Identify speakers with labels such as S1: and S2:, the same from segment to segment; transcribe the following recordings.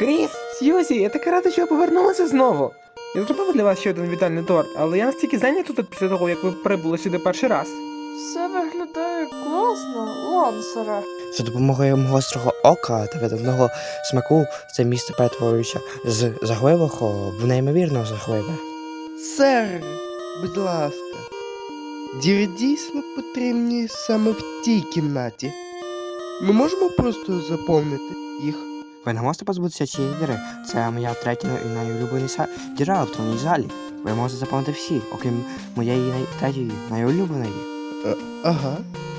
S1: Кріс, Сьюзі, я так рада, що ви повернулися знову. Я зробив для вас ще один вітальний торт, але я настільки зайнятий тут після того, як ви прибули сюди перший раз.
S2: Все виглядає класно, Лансере.
S3: За допомогою мого гострого ока та видатного смаку це місце перетворюється з жахливого в неймовірно жахливе.
S4: Сер, будь ласка, діри дійсно потрібні саме в тій кімнаті. Ми можемо просто заповнити їх.
S3: Ви не можете позбутися цієї діри. Це моя третя і найулюбленіша діра в тронній залі. Ви можете заповнити всі, окрім моєї третьої найулюбленої.
S4: Ага.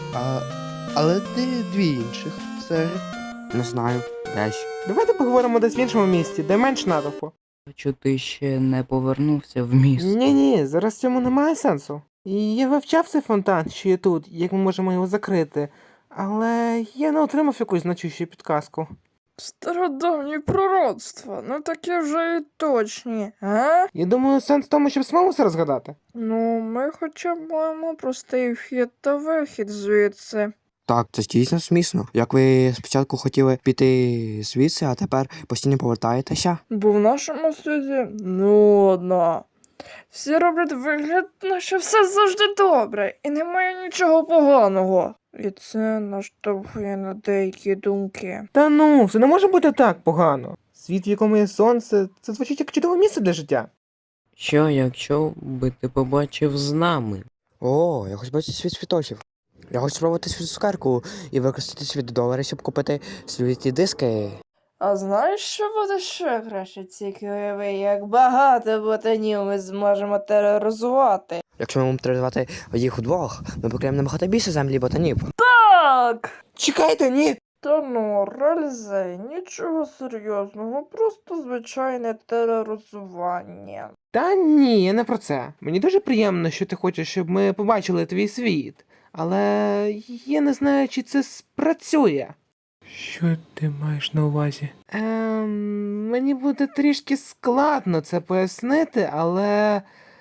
S4: Але де дві інших, сер?
S3: Не знаю, десь.
S1: Давайте поговоримо десь в іншому місці, де менш натовпу.
S5: Бачу, ти ще не повернувся в місто.
S1: Ні, зараз в цьому немає сенсу. І я вивчав цей фонтан, що є тут, як ми можемо його закрити. Але я не отримав якусь значущу підказку.
S2: Стародавні пророцтва, ну такі вже і точні, а?
S1: Я думаю, сенс в тому, щоб самому все розгадати.
S2: Ну, ми хоча б маємо простий вхід та вихід звідси.
S3: Так, це дійсно смішно. Як ви спочатку хотіли піти звідси, а тепер постійно повертаєтеся?
S2: Бо в нашому світі нудно. Всі роблять вигляд, наче все завжди добре, і немає нічого поганого. І це наштовхує на деякі думки.
S1: Та ну, все не може бути так погано. Світ, в якому є сонце, це звучить як чудове місце для життя.
S5: Що, якщо би ти побачив з нами?
S3: О, я хочу бачити світ світочів. Я хочу спробувати свою цукерку і використати свій $2, щоб купити світлі диски.
S2: А знаєш, що буде ще краще? Тільки уяви, як багато ботанів ми зможемо тероризувати.
S3: Якщо ми будемо тероризувати їх удвох, ми покриємо набагато більше землі ботанів.
S2: Так!
S1: Чекайте, ні!
S2: Та ну, Ральзей, нічого серйозного, просто звичайне тероризування.
S1: Та ні, я не про це. Мені дуже приємно, що ти хочеш, щоб ми побачили твій світ. Але я не знаю, чи це спрацює. Що ти маєш на увазі? Мені буде трішки складно це пояснити, але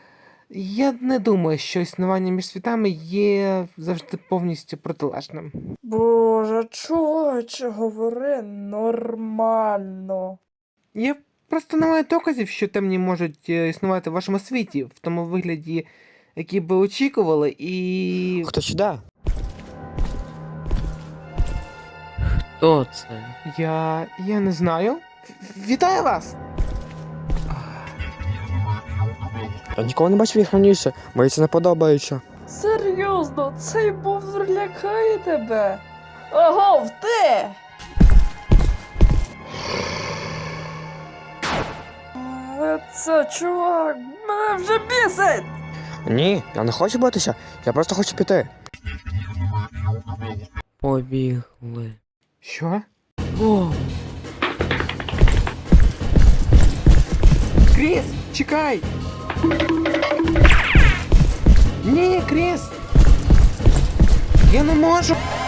S1: я не думаю, що існування між світами є завжди повністю протилежним.
S2: Боже, чуваче, говори нормально.
S1: Я просто не маю доказів, що темні можуть існувати в вашому світі, в тому вигляді, який би очікували, і...
S3: Хто сюди?
S5: Хто це?
S1: Я не знаю. Вітаю вас!
S3: Я ніколи не бачив їх раніше, мені це не подобається.
S2: Серйозно, цей бовдур лякає тебе? Агов, ти! Це, чувак, мене вже бісить!
S3: Ні, я не хочу битися, я просто хочу піти.
S5: Побігли.
S1: Що?
S5: О,
S1: Кріс, чекай! Ні, Кріс! Я не можу!